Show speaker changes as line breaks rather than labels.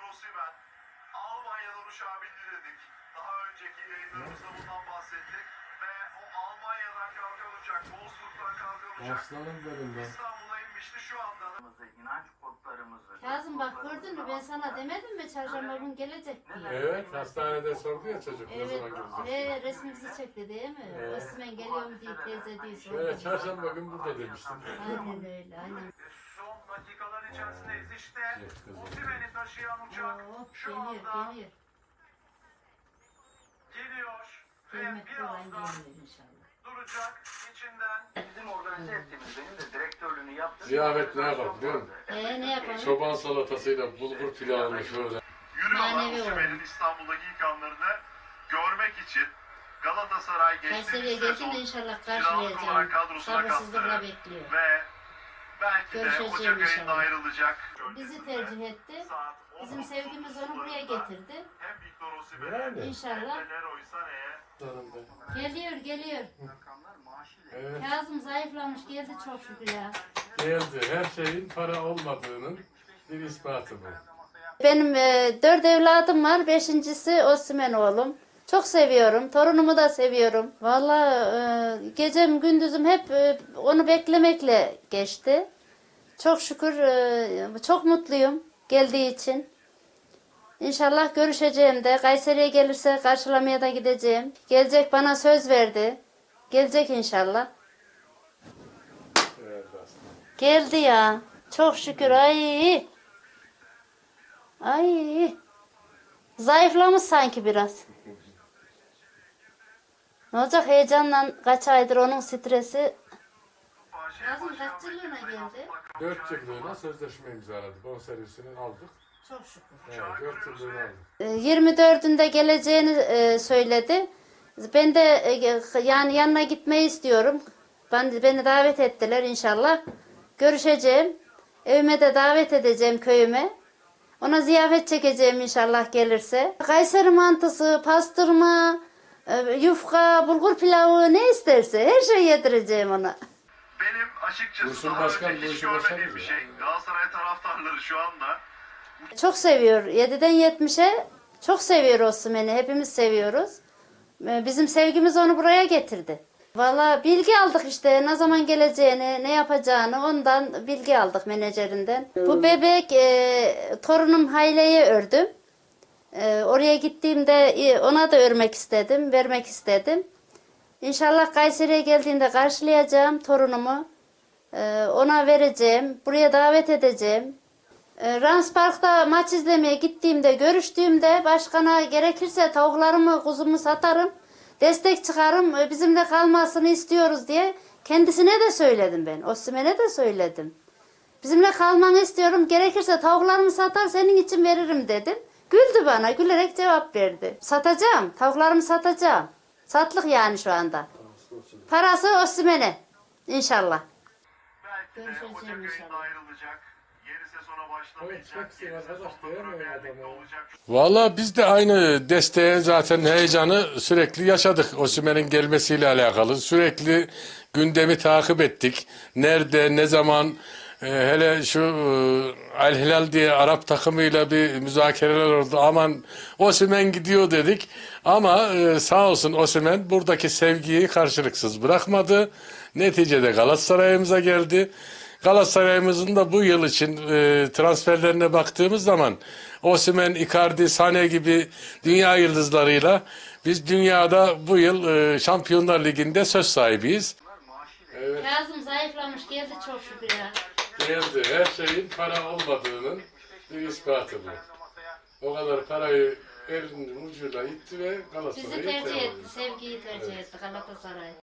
Osimhen Almanya'dan uçağa bindi dedik. Daha önceki yayınlarımızda bundan bahsettik. Ve o Almanya'dan kalkan uçak, Wolfsburg'dan kalkan uçak
Aslanım benim ben.
İstanbul'a inmişti şu anda.
İnanç kodlarımızı.
Kazım bak gördün mü, ben sana demedim mi çarşamba gün gelecek diye.
Evet, hastanede sordu ya çocuk ne
Evet,
zaman gelecek.
ve resmimizi çekti değil mi?
Evet.
Osman geliyorum diye teyze diye sordu.
Evet, çarşamba gün burada demiştim.
Aynen öyle, aynen.
Son dakikalar içerisindeyiz işte.
Evet, kızım.
Osimhen'i taşıyan uçak
Oo,
şu
geliyor,
anda
geliyor.
geliyor. Ve
Gelmekte olan
birazdan
geliyor inşallah.
duracak içinden.
Bizim organize ettiğimiz, benim de direktörlüğünü yaptığım...
Ziyafet ne yapalım biliyor musun?
Ne yapalım?
Çoban salatasıyla bulgur pilavını şöyle.
Yürüyorlar
Manevi
Osimhen'in
olarak.
İstanbul'daki ilk anlarını görmek için. Galatasaray
Kayseri'ye
geçtiğimiz
gelsin
sezon
de inşallah
kiralık olarak
karşılayacağım.
kadrosuna
Sabırsızlıkla
kattı.
bekliyor.
Ve belki de
Görüşeceğim
Ocak ayında
inşallah.
ayrılacak.
Bizi tercih etti.
Saat
Bizim
10.30
sevgimiz onu buraya
sularında
getirdi.
Hem Victor Osimhen'e
Yani.
İnşallah.
hem de Leroy Sané'ye
Canım ben.
Geliyor, geliyor.
Rakamlar maaşıyla...
Evet,
Kazım zayıflamış, geldi çok şükür ya.
geldi. Her şeyin para olmadığının bir ispatı bu.
Benim 4 evladım var. 5.'si Osman oğlum. Çok seviyorum. Torunumu da seviyorum. Vallahi gecem gündüzüm hep onu beklemekle geçti. Çok şükür çok mutluyum geldiği için. İnşallah görüşeceğim de. Kayseri'ye gelirse karşılamaya da gideceğim. Gelecek, bana söz verdi. Gelecek inşallah.
Evet aslında.
Geldi ya. Çok şükür. Ay. Ay. Zayıflamış sanki biraz. Ne olacak, heyecanla kaç aydır onun stresi. Kazım kaç yıllığına geldi?
4 yıllığına sözleşme imzaladık. Bonservisini aldık.
Çok şükür.
Evet, 4 yıllığını aldık.
24'ünde geleceğini söyledi. Ben de yani yanına gitmeyi istiyorum. Beni davet ettiler inşallah. Görüşeceğim. Evime de davet edeceğim, köyüme. Ona ziyafet çekeceğim inşallah gelirse. Kayseri mantısı, pastırma, yufka, bulgur pilavı ne isterse her şeyi yedireceğim ona.
Benim açıkçası
Dursun
daha
Başkan
önce
bu
hiç
işi
görmediğim
başarır
bir
ya.
şey. Galatasaray taraftarları şu anda
Çok seviyor. 7'den 70'e çok seviyor Osimhen'i. Hepimiz seviyoruz. Bizim sevgimiz onu buraya getirdi. Valla bilgi aldık işte, ne zaman geleceğini, ne yapacağını ondan bilgi aldık menajerinden. Bu bebek torunum Hayle'ye ördüm. Oraya gittiğimde ona da örmek istedim, vermek istedim. İnşallah Kayseri'ye geldiğinde karşılayacağım torunumu. Ona vereceğim, buraya davet edeceğim. Rams Park'ta maç izlemeye gittiğimde, görüştüğümde başkana gerekirse tavuklarımı, kuzumu satarım. Destek çıkarım, bizimle kalmasını istiyoruz diye kendisine de söyledim ben. Osimhen'e de söyledim. Bizimle kalmanı istiyorum, gerekirse tavuklarımı satar senin için veririm dedim. Güldü bana, gülerek cevap verdi. Satacağım, tavuklarımı satacağım. Satlık yani şu anda. Parası Osimhen'e inşallah.
belki de
Görüşeceğim
Ocak ayında
inşallah.
ayrılacak. Yeni sezona
Evet,
başlamayacak.
hepsi
Yeni
arkadaş
sezonda
diyemiyor
Premier
adamı
Lig'de
ya.
olacak.
Valla biz de aynı desteğe zaten heyecanı sürekli yaşadık. Osimhen'in gelmesiyle alakalı. Sürekli gündemi takip ettik. Nerede, ne zaman, hele şu Al Hilal diye Arap takımıyla bir müzakereler oldu. Aman Osimhen gidiyor dedik. Ama sağ olsun Osimhen buradaki sevgiyi karşılıksız bırakmadı. Neticede Galatasaray'ımıza geldi. Galatasaray'ımızın da bu yıl için transferlerine baktığımız zaman Osimhen, Icardi, Sané gibi dünya yıldızlarıyla biz dünyada bu yıl Şampiyonlar Ligi'nde söz sahibiyiz. Evet,
Kazım zayıflamış, geldi çok şükür ya.
geldi. Her şeyin para olmadığının bir ispatı bu. O kadar parayı elinin ucuyla itti ve
Bizi
Galatasaray'ı
tercih
tercih
etti, sevgiyi tercih etti Galatasaray.